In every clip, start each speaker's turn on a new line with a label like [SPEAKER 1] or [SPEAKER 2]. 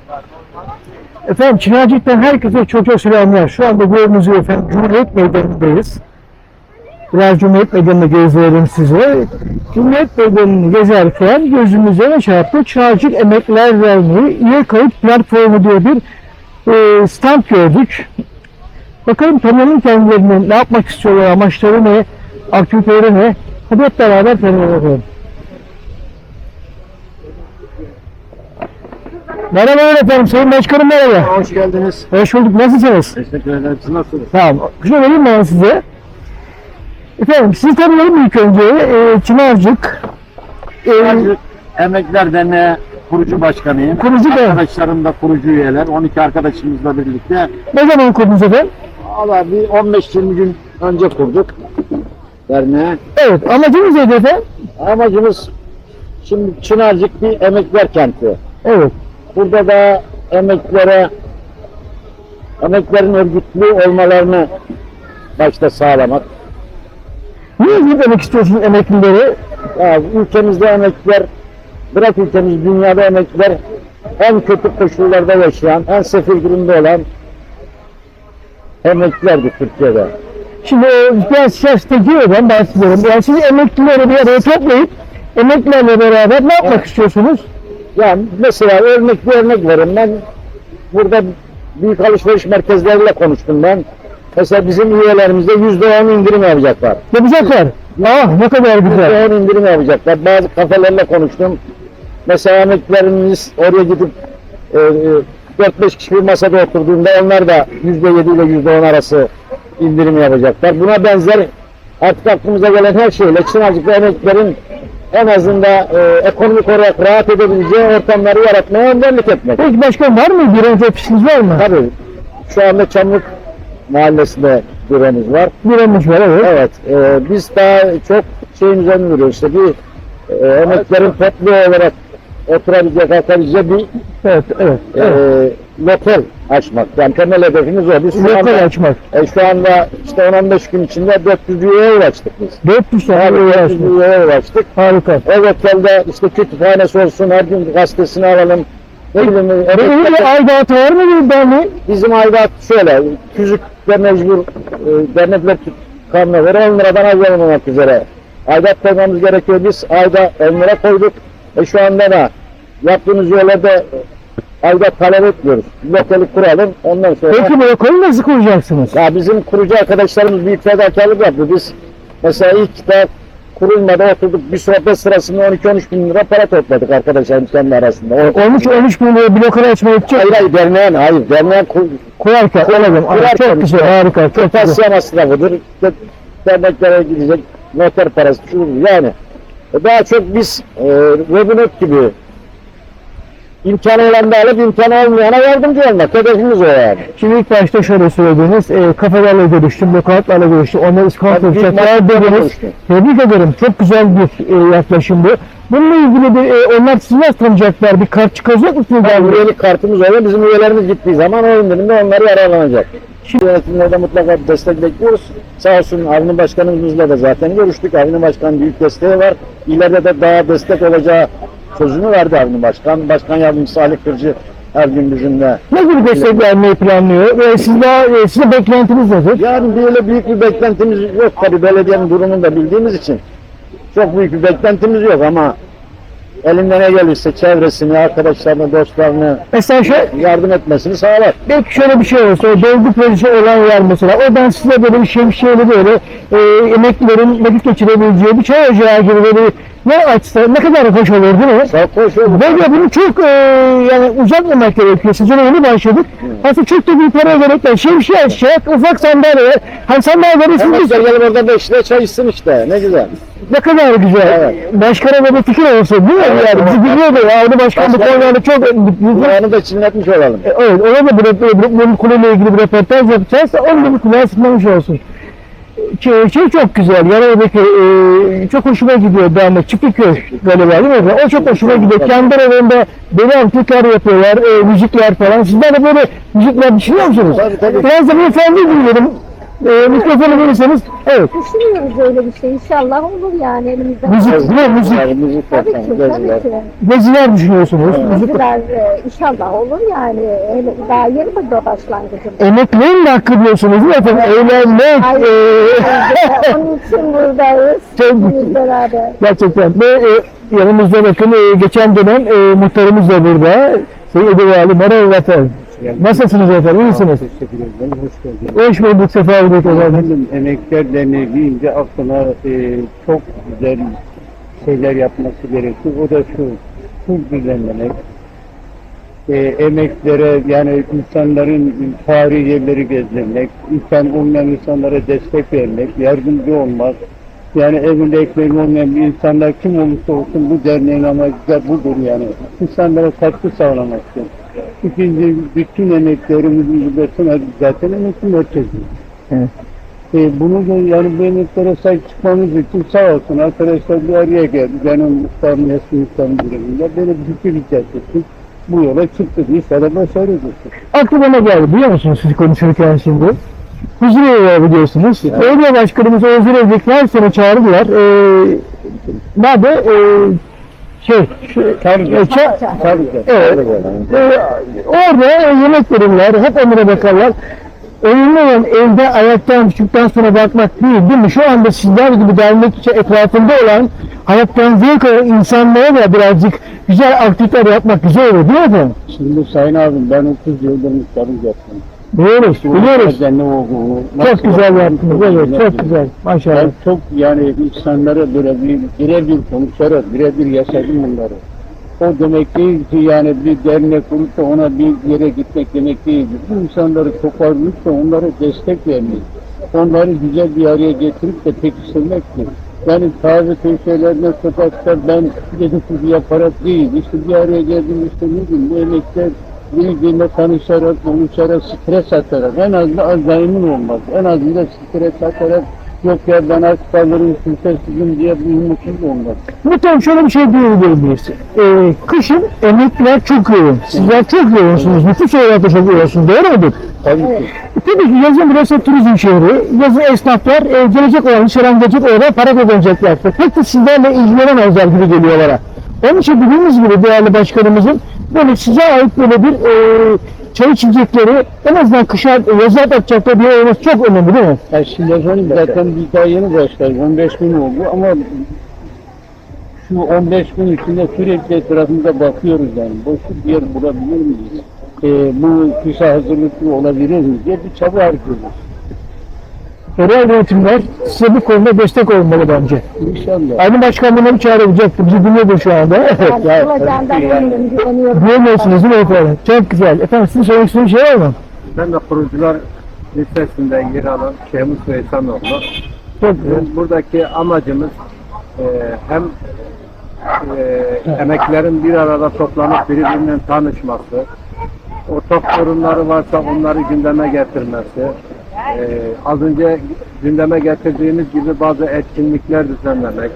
[SPEAKER 1] Efendim Çınarcık'tan herkese çok selamlar. Şu anda gördüğünüz gibi efendim Cumhuriyet Meydanı'ndayız. Biraz Cumhuriyet Meydanı'nı gezdirelim size. Cumhuriyet Meydanı'nı gezerken gözümüze ne çarptı? Çınarcık Emekliler Derneği üye kayıt platformu diye bir stand gördük. Bakalım tanıyalım kendilerini, ne yapmak istiyorlar, amaçları ne, aktiviteleri ne? Hadi hep beraber tanıyalım. Merhaba efendim, Sayın Başkanım merhaba.
[SPEAKER 2] Hoş geldiniz.
[SPEAKER 1] Hoş bulduk, nasılsınız?
[SPEAKER 2] Teşekkür ederim. Siz nasılsınız?
[SPEAKER 1] Tamam, şunu vereyim ben size. Efendim, sizi tanıyalım ilk önce. Çınarcık.
[SPEAKER 2] Çınarcık Emekliler Derneği kurucu başkanıyım.
[SPEAKER 1] Kurucu da.
[SPEAKER 2] Arkadaşlarım da kurucu üyeler. 12 arkadaşımızla birlikte.
[SPEAKER 1] Ne zaman kurdunuz efendim?
[SPEAKER 2] Valla bir 15-20 gün önce kurduk derneği.
[SPEAKER 1] Evet, amacınız neydi efendim?
[SPEAKER 2] Amacımız şimdi Çınarcık bir emekliler kenti.
[SPEAKER 1] Evet.
[SPEAKER 2] Burada da emeklilerin örgütlü olmalarını başta sağlamak.
[SPEAKER 1] Niye demek istiyorsunuz emeklileri?
[SPEAKER 2] Ya, ülkemizde emekliler, bırak ülkemiz, dünyada emekliler en kötü koşullarda yaşayan, en sefil durumda olan emeklilerdi Türkiye'de.
[SPEAKER 1] Şimdi biraz siyasete girmeden bahsediyorum. Yani siz emeklileri bir araya toplayıp emeklilerle beraber ne yapmak istiyorsunuz?
[SPEAKER 2] Yani mesela örnek verin. Ben burada büyük alışveriş merkezleriyle konuştum ben. Mesela bizim üyelerimizde %10 indirim yapacaklar.
[SPEAKER 1] Yapacaklar. Ah ne kadar güzel.
[SPEAKER 2] %10 indirim yapacaklar. Bazı kafelerle konuştum. Mesela emeklilerimiz oraya gidip 4-5 kişi bir masada oturduğunda onlar da %7 ile %10 arası indirim yapacaklar. Buna benzer artık aklımıza gelen her şeyle Çınarcık'ta emeklilerin en azından ekonomik olarak rahat edebileceği ortamları yaratmaya önderlik etmek.
[SPEAKER 1] Peki başkan var mı? Bir önce ofisiniz var mı?
[SPEAKER 2] Tabii. Şu anda Çamlık Mahallesi'nde büromuz var.
[SPEAKER 1] Büromuz var, evet.
[SPEAKER 2] Evet. Biz daha çok şeyin üzerine duruyoruz. İşte bir emeklilerin toplu olarak oturabilecek, kalkabilecek bir lokal açmak. Yani temel hedefimiz o. Biz
[SPEAKER 1] Lokal açmak.
[SPEAKER 2] Şu anda işte 10-15 gün içinde 400 üyeye ulaştık biz.
[SPEAKER 1] 400 tane üye açtık.
[SPEAKER 2] Üyeye ulaştık.
[SPEAKER 1] Harika.
[SPEAKER 2] O lokelde işte kütüphanesi olsun, her gün gazetesini alalım. Ne bileyim,
[SPEAKER 1] Öyle bir aidatı var mı bir derneğin?
[SPEAKER 2] bizim aidat şöyle, tüzükle mecbur dernekler kanuna göre 10 liradan az olmamak üzere aidat koymamız gerekiyor. Biz ayda 10 lira koyduk. Şu anda da yaptığımız üyelerde aidat talep etmiyoruz. Lokali kuralım, ondan sonra...
[SPEAKER 1] Peki bu lokali nasıl kuracaksınız?
[SPEAKER 2] Ya bizim kurucu arkadaşlarımız büyük fedakarlık yaptı. Biz mesela ilk de kurulmadan oturduk, bir sohbet sırasında 12-13 bin lira para topladık arkadaşlarımız kendi arasında.
[SPEAKER 1] 13 bin lira bir lokal açmaya gidecek.
[SPEAKER 2] Hayır, derneğin
[SPEAKER 1] Kurarken olalım. Çok güzel, harika, çok güzel.
[SPEAKER 2] Kırtasiye masrafıdır, derneklere gidecek noter parası, şudur yani. Daha çok biz Robinhood gibi imkanı olan da alıp imkanı olmayana yardımcı olmak. Hedefimiz o yani.
[SPEAKER 1] Şimdi ilk başta şöyle söylediniz, kafelerle görüştüm, lokantlarla görüştüm, onları iskonto yapacaklar dediniz. Tebrik ederim, çok güzel bir yaklaşım bu. Bununla ilgili bir, onlar sizi nasıl tanıyacaklar, bir kart çıkacak mısınız?
[SPEAKER 2] Yani üyelik kartımız oluyor, bizim üyelerimiz gittiği zaman o indirimde onlar yararlanacak. Şimdi yönetimlerde mutlaka bir destek bekliyoruz. Sağ olsun Avni Başkanımızla da zaten görüştük. Avni Başkan büyük desteği var. İleride de daha destek olacağı sözünü verdi Avni Başkan. Başkan Yardımcısı Ali Kırcı her gün bizimle.
[SPEAKER 1] Ne gibi destek vermeyi planlıyor ve sizin beklentiniz nedir?
[SPEAKER 2] Yani böyle büyük bir beklentimiz yok tabii, belediyenin durumunu da bildiğimiz için. Çok büyük bir beklentimiz yok ama elinden ne gelirse çevresini, arkadaşlarını, dostlarını
[SPEAKER 1] Mesela
[SPEAKER 2] yardım etmesini sağlar.
[SPEAKER 1] belki şöyle bir şey olsa, dolgu projesi olan yer mesela, oradan size böyle bir şemsiyeli böyle emeklilerin vakit geçirebileceği bir çay ocağı gibi böyle ne açsa ne kadar hoş olur değil mi?
[SPEAKER 2] Çok hoş olur.
[SPEAKER 1] Böyle bunu çok yani uzatmamak gerekiyor. Sezona yeni başladık. Aslında çok da büyük para gerek yok. Şemsiye açacak, ufak sandalye. Hani sandalyeleri siz
[SPEAKER 2] Gelip orada 5 lira çay içsin işte, ne güzel.
[SPEAKER 1] ne kadar güzel.
[SPEAKER 2] Evet.
[SPEAKER 1] Başkana da bir fikir olsa değil mi?
[SPEAKER 2] Evet,
[SPEAKER 1] Yani bizi biliyordu ya. Onu başkan bu konularda çok
[SPEAKER 2] Kulağını da çinletmiş olalım.
[SPEAKER 1] evet, ona da bu konuyla ilgili bir röportaj yapacağız. Onun da bir kulağı sıkmamış olsun. Şey çok güzel, Yalova'daki çok hoşuma gidiyor dernek, Çiftlikköy galiba değil mi? O çok hoşuma gidiyor. Kendi aralarında böyle amfikler yapıyorlar, müzikler falan. Sizler de böyle müzikler düşünüyor musunuz?
[SPEAKER 2] Tabii.
[SPEAKER 1] Biraz da beyefendi dinleyelim. Mikrofonu verirseniz, evet.
[SPEAKER 3] Düşünüyoruz öyle bir şey. İnşallah olur yani elimizden.
[SPEAKER 1] Müzik, ne müzik?
[SPEAKER 2] Yani müzik
[SPEAKER 3] Tabii ki,
[SPEAKER 2] ortamı,
[SPEAKER 3] tabii
[SPEAKER 2] geziler.
[SPEAKER 3] ki.
[SPEAKER 1] Geziler düşünüyorsunuz. Müzik.
[SPEAKER 3] Geziler inşallah olur yani. Hele daha yeni bir başlangıcım.
[SPEAKER 1] Emekliğin mi hakkı diyorsunuz değil mi efendim? Eğlenmek,
[SPEAKER 3] Ay, onun için buradayız.
[SPEAKER 1] Çok-
[SPEAKER 3] Biz beraber.
[SPEAKER 1] gerçekten. Ve yanımızda bakın geçen dönem muhtarımız da burada. Sayın Ebu Ali, merhaba efendim. Nasılsınız efendim, iyi misiniz?
[SPEAKER 4] Teşekkür ederim. Hoş geldiniz.
[SPEAKER 1] Hoş bulduk, sefa bulduk efendim.
[SPEAKER 4] Efendim, Emekler Derneği deyince aklına çok güzel şeyler yapması gerekiyor. O da şu düzenlemek. Emeklere, yani insanların tarihi yerleri gezdirmek, insan olmayan insanlara destek vermek, yardımcı olmak. Yani evinde ekmeği olmayan bir insanlar kim olursa olsun bu derneğin amacı da budur yani. İnsanlara katkı sağlamaktır. İkinci, bütün emeklerimizin bütünü zaten emekli merkezi.
[SPEAKER 1] Evet.
[SPEAKER 4] Bunu da yani bu emeklere sahip çıkmamız için sağ olsun arkadaşlar bir araya geldi. Benim muhtarım, eski muhtarım durumunda böyle bir fikir icat ettik. Bu yola çıktık. İnşallah başarırız.
[SPEAKER 1] Aklıma ne geldi biliyor musunuz siz konuşurken şimdi? Huzurevi var biliyorsunuz. Belediye başkanımız Huzurevi'deki her sene çağırdılar. Nerede?
[SPEAKER 4] Tabii.
[SPEAKER 1] Evet. Orada yemek verirler, hep onlara bakarlar. Önemli olan evde ayaktan düştükten sonra bakmak değil mi? Şu anda sizler gibi dernek etrafında olan, hayattan zevk alan insanlara da birazcık güzel aktiviteler yapmak güzel olur değil mi efendim?
[SPEAKER 4] Şimdi Sayın abim ben 30 yıldır muhtarlık yaptım.
[SPEAKER 1] Biliyoruz, biliyoruz.
[SPEAKER 4] Ne olduğunu.
[SPEAKER 1] Çok güzel yaptınız, evet, çok güzel. Maşallah.
[SPEAKER 4] Ben çok yani insanlara böyle birebir konuşarak, birebir yaşadım bunları. O demek değil ki yani bir dernek kurup da ona bir yere gitmek demek değildir. Bu insanları toparlayıp da onlara destek vermek, onları güzel bir araya getirip de pekiştirmektir. Yani taze köşelerine sokakta ben dedikodu yaparak değil, işte bir araya geldim işte ne bileyim bu emekler birbirine tanışarak, konuşarak, stres atarak, en azından azayımın olmaz. En azından stres atarak yok ya ben aç kalırım, kimsesizim diye bir umutsuz olmaz.
[SPEAKER 1] Muhtemelen şöyle bir şey diyebilir miyiz? Kışın emekliler çok yoğun. Sizler çok yoğunsunuz. Nüfus olarak da çok yoğunsunuz. Doğru mudur?
[SPEAKER 4] Tabii ki.
[SPEAKER 1] Tabii ki yazın burası turizm şehri. Yazın esnaflar gelecek olan, dışarıdan gelecek olan para kazanacaklar. Pek de sizlerle ilgilenemezler gibi geliyor bana. Onun için dediğimiz gibi değerli başkanımızın böyle size ait böyle bir çay içecekleri en azından kışa yaza atacakları bir olması çok önemli değil mi?
[SPEAKER 4] Yani şimdi efendim zaten biz daha yeni başladık. 15 gün oldu ama şu 15 gün içinde sürekli etrafımıza bakıyoruz yani. Boşluk bir yer bulabilir miyiz? Bu kışa hazırlıklı olabilir mi diye bir çaba harcıyoruz.
[SPEAKER 1] Yerel yönetimler size bu konuda destek olmalı bence.
[SPEAKER 4] İnşallah.
[SPEAKER 1] Aynı başkanlığına bir çağrılacaktı. Bizi dinliyordur şu anda.
[SPEAKER 3] Yani olacağından eminim, güveniyorum.
[SPEAKER 1] Duymuyorsunuz değil mi efendim? Çok güzel. Efendim sizin söylemek istediğiniz bir şey var mı?
[SPEAKER 5] Ben de kurucular listesinde yer alan Şehmus Veysanoğlu.
[SPEAKER 1] Çok güzel.
[SPEAKER 5] Buradaki amacımız hem emeklerin bir arada toplanıp birbirinden tanışması, ortak sorunları varsa onları gündeme getirmesi, az önce gündeme getirdiğimiz gibi bazı etkinlikler düzenlemek,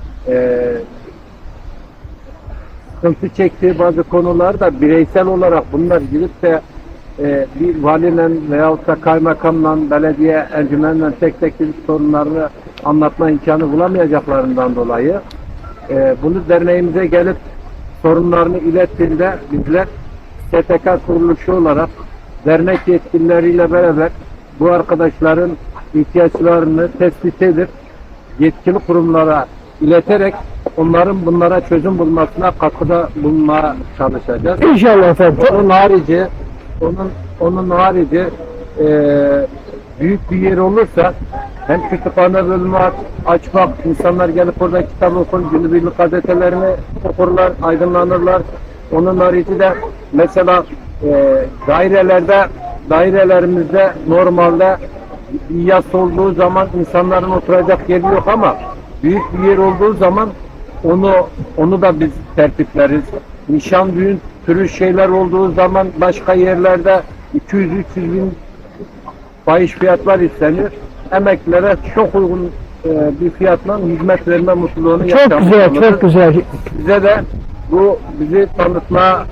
[SPEAKER 5] sıkıntı çektiği bazı konularda bireysel olarak bunlar gidip de bir valiyle veyahut da kaymakamla, belediye encümenle tek tek sorunlarını anlatma imkanı bulamayacaklarından dolayı bunu derneğimize gelip sorunlarını ilettiğinde bizler STK kuruluşu olarak dernek yetkilileriyle beraber bu arkadaşların ihtiyaçlarını tespit edip yetkili kurumlara ileterek onların bunlara çözüm bulmasına katkıda bulunmaya çalışacağız.
[SPEAKER 1] İnşallah efendim.
[SPEAKER 5] Onun harici büyük bir yer olursa hem kütüphane bölümü açmak, insanlar gelip orada kitap okur, günübirlik gazetelerini okurlar, aydınlanırlar. Onun harici de mesela dairelerimizde normalde bir yas olduğu zaman insanların oturacak yeri yok ama büyük bir yer olduğu zaman onu da biz tertipleriz. Nişan düğün türü şeyler olduğu zaman başka yerlerde 200-300 bin fahiş fiyatlar istenir. Emeklilere çok uygun bir fiyatla hizmet verme mutluluğunu
[SPEAKER 1] Çok güzel, çok güzel.
[SPEAKER 5] Bize de bu bizi tanıtma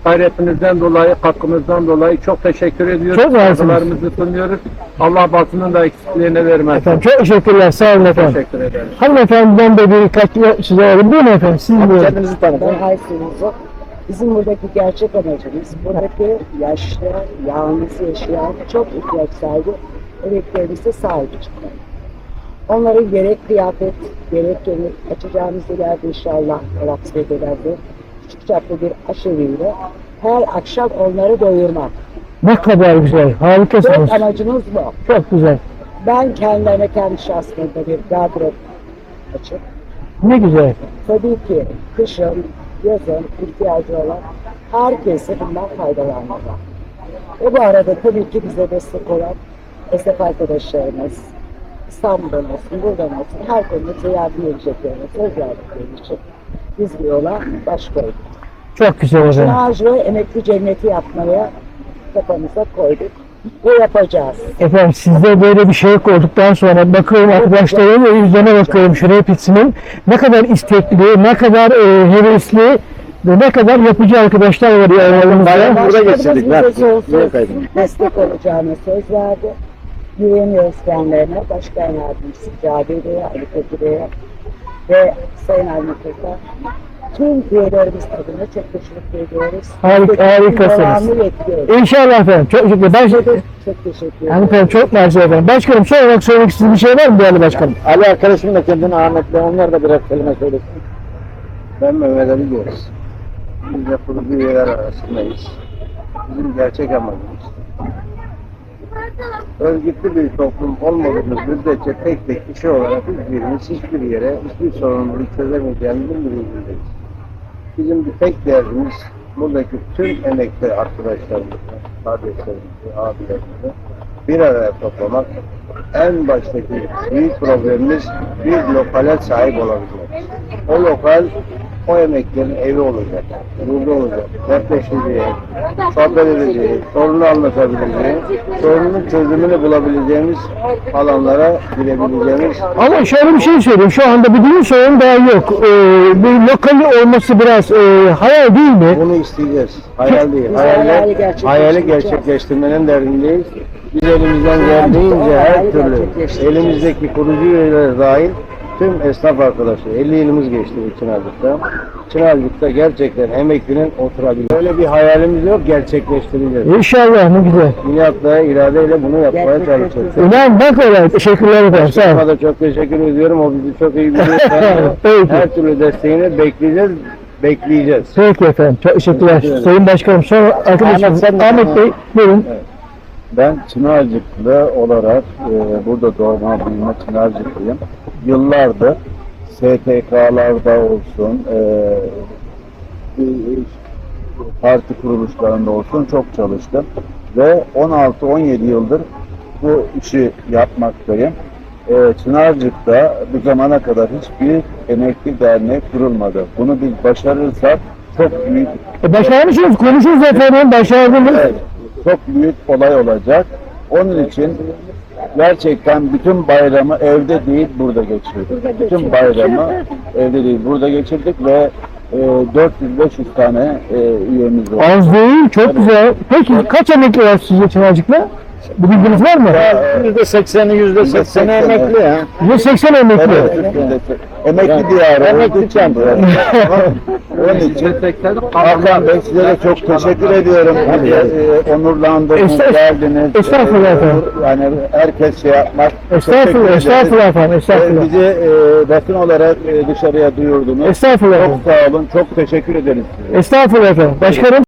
[SPEAKER 5] gayretinizden dolayı, katkınızdan dolayı çok teşekkür ediyoruz.
[SPEAKER 1] Çok sağ olsunuz.
[SPEAKER 5] Saygılarımızı sunuyoruz. Allah basının da eksikliğini vermez.
[SPEAKER 1] Efendim çok teşekkürler. Sağ olun efendim.
[SPEAKER 5] Teşekkür ederim.
[SPEAKER 1] Hanımefendiden de birkaç size alalım. Buyurun efendim. Siz buyurun.
[SPEAKER 2] Kendinizi tanıtın.
[SPEAKER 6] Ben Aysun'uzu. Bizim buradaki gerçek amacımız, buradaki yaşlı, yalnız yaşayan, çok ihtiyaç sahibi emeklerimize sahip çıkmak. Onların gerek kıyafet, gerek yemek açacağımız ileride inşallah Raksede'lerde küçük çaplı bir aşeviyle her akşam onları doyurmak.
[SPEAKER 1] Ne kadar güzel. Harikasınız.
[SPEAKER 6] Tek amacımız bu.
[SPEAKER 1] Çok güzel.
[SPEAKER 6] Ben kendilerine kendi şahsımda bir gardırop açıp,
[SPEAKER 1] Ne güzel.
[SPEAKER 6] tabii ki kışın, yazın ihtiyacı olan herkese bundan faydalanmalı. Ve bu arada tabii ki bize destek olan esnaf arkadaşlarımız, İstanbul'dan olsun, buradan olsun, her konuda bize yardım edeceklerine söz verdikleri için biz bu yola baş koyduk.
[SPEAKER 1] Çok güzel efendim.
[SPEAKER 6] Çınarcı emekli cenneti yapmaya kafamıza koyduk ve yapacağız.
[SPEAKER 1] Efendim sizde böyle bir şey olduktan sonra bakıyorum arkadaşlarım yüzlerine bakıyorum şu hepsinin ne kadar istekli, ne kadar hevesli ve ne kadar yapıcı arkadaşlar var ya aramızda.
[SPEAKER 2] Burada
[SPEAKER 6] Başkanımız
[SPEAKER 2] geçirdik.
[SPEAKER 6] bize
[SPEAKER 2] Ver.
[SPEAKER 6] sonsuz
[SPEAKER 2] Ver kaydını.
[SPEAKER 6] destek olacağına söz verdi. Güveniyoruz kendilerine. Başkan Yardımcısı Cabi Bey'e, Ali Koçu Bey'e ve Sayın Almakır'da tüm üyelerimiz adına çok teşekkür ediyoruz.
[SPEAKER 1] Harikasınız.
[SPEAKER 6] Devamlı bekliyoruz.
[SPEAKER 1] İnşallah efendim. Çok teşekkür ederim.
[SPEAKER 6] Çok teşekkür
[SPEAKER 1] Yani
[SPEAKER 6] ederim.
[SPEAKER 1] efendim çok mersi efendim. Başkanım son olarak söylemek istediğiniz bir şey var mı değerli başkanım?
[SPEAKER 2] Ali arkadaşım da kendini Ahmet'le onlar da birer kelime söylesin.
[SPEAKER 4] Ben Mehmet Ali diyoruz. Biz de kurucu üyeler arasındayız. Bizim gerçek amacımız örgütlü bir toplum olmadığımız müddetçe tek tek kişi olarak hiçbirimiz hiçbir yere hiçbir sorunları çözemeyeceğimizin bilincindeyiz. Bizim bir tek derdimiz buradaki tüm emekli arkadaşlarımızı, kardeşlerimizi, abilerimizi bir araya toplamak. En baştaki büyük problemimiz bir lokale sahip olabilmek. O lokal o emeklerin evi olacak, yurdu olacak, dertleşeceği, sohbet edeceği, sorunu anlatabileceği, sorunun çözümünü bulabileceğimiz alanlara girebileceğimiz.
[SPEAKER 1] Ama şöyle bir şey söyleyeyim. Şu anda bir düğün sorun daha yok. Bir lokali olması biraz hayal değil mi?
[SPEAKER 4] Bunu isteyeceğiz. Hayal değil.
[SPEAKER 6] Biz hayali
[SPEAKER 4] Hayali gerçekleştirmenin derdindeyiz. Biz elimizden geldiğince her türlü elimizdeki kurucu üyeler dahil tüm esnaf arkadaşlar 50 yılımız geçti bu Çınarcık'ta. Çınarcık'ta gerçekten emeklinin oturabilir. Böyle bir hayalimiz yok, gerçekleştireceğiz.
[SPEAKER 1] İnşallah ne güzel.
[SPEAKER 4] İnatla, iradeyle bunu yapmaya çalışacağız.
[SPEAKER 1] İnan bak öyle. Teşekkürler efendim. Sağ olun.
[SPEAKER 4] Ona da çok teşekkür ediyorum. O bizi çok iyi biliyor.
[SPEAKER 1] Peki.
[SPEAKER 4] Her türlü desteğini bekleyeceğiz.
[SPEAKER 1] Peki efendim. Çok teşekkürler. Sayın Başkanım son arkadaşım Ahmet Bey buyurun.
[SPEAKER 7] Ben Çınarcıklı olarak burada doğma büyüme Çınarcıklıyım. Yıllardır STK'larda olsun, parti kuruluşlarında olsun çok çalıştım. Ve 16-17 yıldır bu işi yapmaktayım. Çınarcık'ta bu zamana kadar hiçbir emekli derneği kurulmadı. Bunu biz başarırsak çok büyük
[SPEAKER 1] Başarmışsınız. Konuşuruz efendim. Başardınız.
[SPEAKER 7] Evet, çok büyük olay olacak. Onun için gerçekten bütün bayramı evde değil burada geçirdik. Bütün bayramı evde değil burada geçirdik ve 400-500 tane üyemiz var.
[SPEAKER 1] Az değil. Çok güzel. Peki kaç emekli var sizce Çınarcık'la? Bir bilginiz var mı?
[SPEAKER 2] %80'i %80'i emekli ya.
[SPEAKER 1] %80 emekli.
[SPEAKER 7] Evet, emekli diyarı.
[SPEAKER 2] Emekli kent.
[SPEAKER 7] Onun için Hakan Bey size de çok teşekkür ediyorum. Onurlandınız, geldiniz.
[SPEAKER 1] Estağfurullah efendim.
[SPEAKER 7] Yani herkes şey yapmak.
[SPEAKER 1] Estağfurullah,
[SPEAKER 7] Teşekkür ederiz.
[SPEAKER 1] estağfurullah efendim. Estağfurullah.
[SPEAKER 7] Bizi basın olarak dışarıya duyurdunuz.
[SPEAKER 1] Estağfurullah
[SPEAKER 7] Çok
[SPEAKER 1] efendim.
[SPEAKER 7] sağ olun. Çok teşekkür ederiz size.
[SPEAKER 1] Estağfurullah efendim. Başkanım.